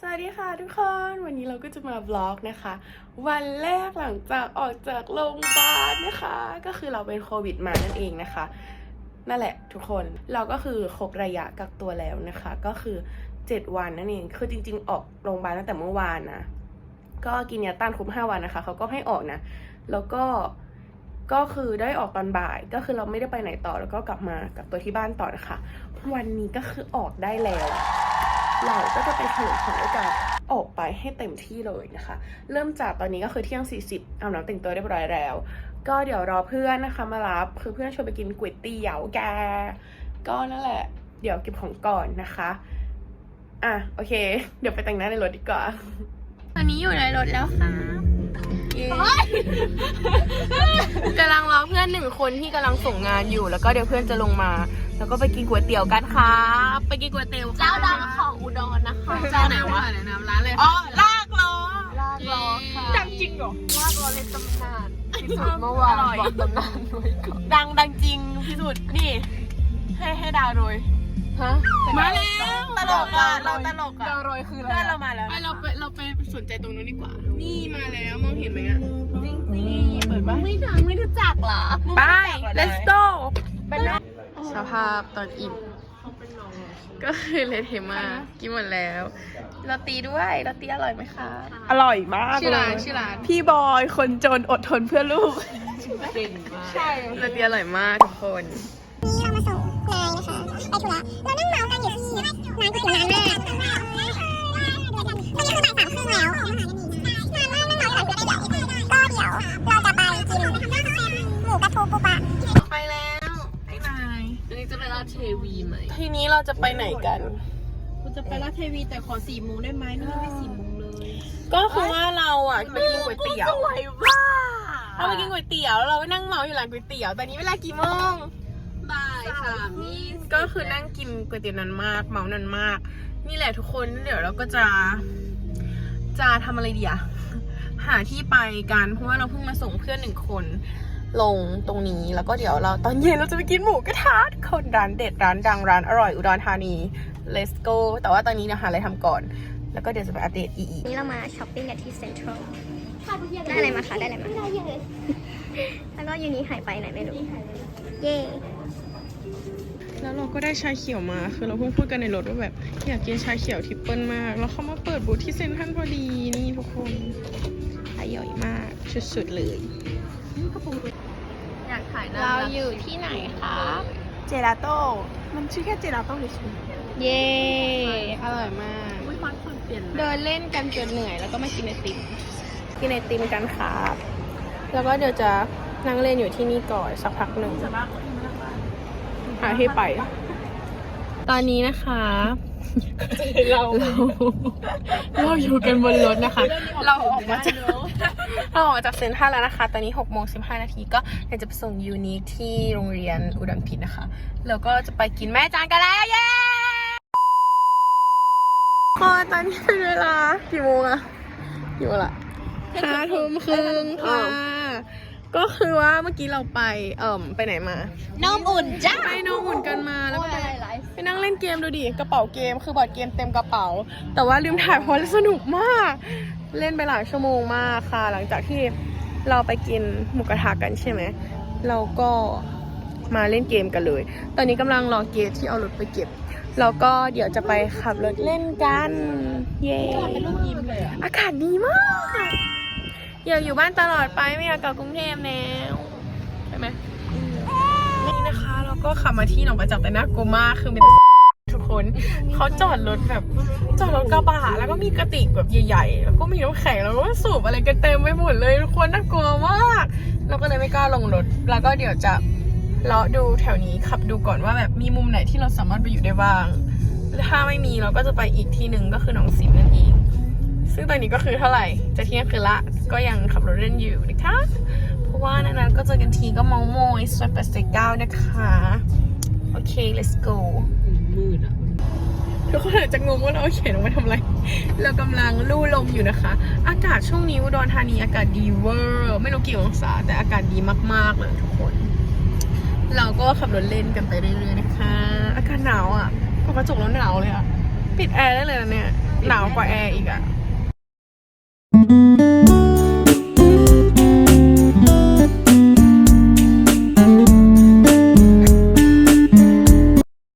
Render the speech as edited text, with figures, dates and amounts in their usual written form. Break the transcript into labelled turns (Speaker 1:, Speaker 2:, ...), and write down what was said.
Speaker 1: วัสดีค่ะทุกคนวันนี้เราก็จะมาบล็อกนะคะวันแรกหลังจากออกจากโรงพยาบาลนะคะก็คือเราเป็นโควิดมานั่นเองนะคะนั่นแหละทุกคนเราก็คือครบระยะกักตัวแล้วนะคะก็คือ7 วันนั่นเองคือจริงๆออกโรงพยาบาลตั้งแต่เมื่อวานนะก็กินยาต้านครบ5 วันนะคะเขาก็ให้ออกนะแล้วก็คือได้ออกตอนบ่ายก็คือเราไม่ได้ไปไหนต่อแล้วก็กลับมากับตัวที่บ้านต่อนะคะวันนี้ก็คือออกได้แล้วเราก็จะไปเฉลิมฉลองด้วยการออกไปให้เต็มที่เลยนะคะเริ่มจากตอนนี้ก็คือเที่ยง40อาบน้ำแต่งตัวเรียบร้อยแล้วก็เดี๋ยวรอเพื่อนนะคะมารับคือเพื่อนชวนไปกินก๋วยเตี๋ยวแกก็นั่นแหละเดี๋ยวเก็บของก่อนนะคะโอเคเดี๋ยวไปแต่งหน้าในรถดีกว่าตอนนี้อยู่ในรถแล้วค่ะกำลังรอเพื่อน1 คนที่กำลังส่งงานอยู่แล้วก็เดี๋ยวเพื่อนจะลงมาแล้วก็ไปกินก๋วยเตี๋ยวกันค่ะไปกินก๋วยเตี๋ยวเจ้าดังของอุดรนะคะเจ้าไหนวะแนะนำร้านเลยอ๋อลากล้อค่ะดังจริงเหรอลากล้อในตำนานที่สุดเมื่อวานบอกตำนานด้วยก่อนดังจริงที่สุดนี่ให้ดาวโรยฮะมาแล้วตลกอ่ะเราตลกอ่ะดาวโรยคืออะไรเรามาแล้วเราไปสนใจตรงนู้นดีกว่านี่มาแล้วมองเห็นไหมอ่ะจริงเปิดบ้านไม่ดังไม่รู้จักเหรอไป let's go สภาพตอนอิ่มก็คือเละเทะมากกินหมดแล้วโรตีด้วยโรตีอร่อยไหมคะอร่อยมากชื่อร้านพี่บอยคนจนอดทนเพื่อลูกเก่งมากใช่โรตีอร่อยมากทุกคน
Speaker 2: นี่เรามาส่งนายนะคะไปธุระเรานั่งเมากันอยู่ที่ร้านก๋วยเตี๋ยวร้านแรกตอนนี้คือบ่าย 3 ครึ่งแล้วนานมากนั่งเมาอยู่ร้านก๋วยเตี๋ยวก็เดี๋ยวเราจะไปกินหมูกระทูปูปลา
Speaker 1: ไปแล้วไอ้นาย
Speaker 3: อันนี้จะไปราชเทวีไหม
Speaker 1: ทีนี้เราจะไปไหนกัน
Speaker 3: คุณจะไปราชเทวีแต่ขอ4 โมงได้ไหมนี่ไม่4 โมงเลย
Speaker 1: ก็คือว่าเราไปกินก๋วยเตี๋ยวเราไปกินก๋วยเตี๋ยวแล้วเราไปนั่งเมาอยู่ร้านก๋วยเตี๋ยวตอนนี้เวลากี่โมง
Speaker 3: บ่าย3:20
Speaker 1: ก็คือนั่งกินก๋วยเตี๋ยวนั้นมากเมานั้นมากนี่แหละทุกคนเดี๋ยวเราก็จะทำอะไรดีอะหาที่ไปกันเพราะว่าเราเพิ่งมาส่งเพื่อน1 คนลงตรงนี้แล้วก็เดี๋ยวเราตอนเย็นเราจะไปกินหมูกระทะคนร้านเด็ดร้านดังร้านอร่อยอุดรธานี let's go แต่ว่าตอนนี้เราหาอะไรทำก่อนแล้วก็เดี๋ยวจะไปอัปเดตอีก
Speaker 2: นี่เรามาช้อปปิ้งกันที่เซ็นทรัลได้อะไรมาคะได้อะไรมาแล้วก็ยูนี้หายไปไหนไม่รู้เย่
Speaker 1: แล้วเราก็ได้ชาเขียวมาคือเราเพิ่งพูดกันในรถว่าแบบอยากกินชาเขียวทริปเปิลมากแล้วเขามาเปิดบูธที่เซ็นทรัลพอดีนี่ทุกคนอร่อยมากสุดๆเลย
Speaker 3: อยากถ่ายหน้า
Speaker 1: เราอยู่ที่ไหนคะเจลาโต้มันชื่อแค่เจลาโต้เฉยๆเย้อร่อยมากเดินเล่นกันจนเหนื่อยแล้วก็มากินไอติมกันครับแล้วก็เดี๋ยวจะนั่งเล่นอยู่ที่นี่ก่อนสักพักหนึ่งหาที่ไปตอนนี้นะคะเราอยู่กันบนรถนะคะเราออกมาจากเซ็นทรัลแล้วนะคะตอนนี้6:15 นาทีก็เดี๋ยวจะไปส่งยูนิคที่โรงเรียนอุดมพิษนะคะแล้วก็จะไปกินแม่จานกันแล้วเย้ตอนนี้เป็นเวลากี่โมงอะกี่โมงละ5:30ค่ะก็คือว่าเมื่อกี้เราไปไหนมา
Speaker 3: น้ำอุ่นจ้า
Speaker 1: ไปน้ำอุ่นกันมาแล้วก็ไปนั่งเล่นเกมดูดิกระเป๋าเกมคือบอร์ดเกมเต็มกระเป๋าแต่ว่าลืมถ่ายเพราะสนุกมากเล่นไปหลายชั่วโมงมากค่ะหลังจากที่เราไปกินหมูกระทะกันใช่ไหมเราก็มาเล่นเกมกันเลยตอนนี้กำลังรอเกตที่เอารถไปเก็บแล้วก็เดี๋ยวจะไปขับรถเล่นกันเย้อากาศดีมากอยากอยู่บ้านตลอดไปไม่อยากกลับกรุงเทพแล้วใช่ไหมนี่นะคะเราก็ขับมาที่หนองประจักษ์แต่น่ากลัวมากคือเป็นทุกคนเขาจอดรถกระบะแล้วก็มีกระติกแบบใหญ่ๆแล้วก็มีน้ำแข็งแล้วก็สูบอะไรกันเต็มไปหมดเลยทุกคนน่ากลัวมากเราก็เลยไม่กล้าลงรถแล้วก็เดี๋ยวจะเลาะดูแถวนี้ขับดูก่อนว่าแบบมีมุมไหนที่เราสามารถไปอยู่ได้บ้างถ้าไม่มีเราก็จะไปอีกที่หนึ่งก็คือหนองสิมนั่นเองซึ่งตอนนี้ก็คือเท่าไหร่จะเที่ยงคืนละก็ยังขับรถเล่นอยู่นะคะเพราะว่านั้นก็เจอกันทีก็เมาโมยซอย89นะคะโอเค let's go
Speaker 3: มืดอ่ะ
Speaker 1: ทุกคนอาจจะงงว่าเราเขียนออกมาทำอะไรเรากำลังลู่ลมอยู่นะคะอากาศช่วงนี้อุดรธานีอากาศดีเวอร์ไม่รู้กี่องศาแต่อากาศดีมากๆเลยทุกคนเราก็ขับรถเล่นกันไปเรื่อยๆนะคะอากาศหนาวอ่ะกระจกแล้วหนาวเลยอ่ะปิดแอร์ได้เลยนะเนี่ยหนาวกว่าแอร์อีกอะ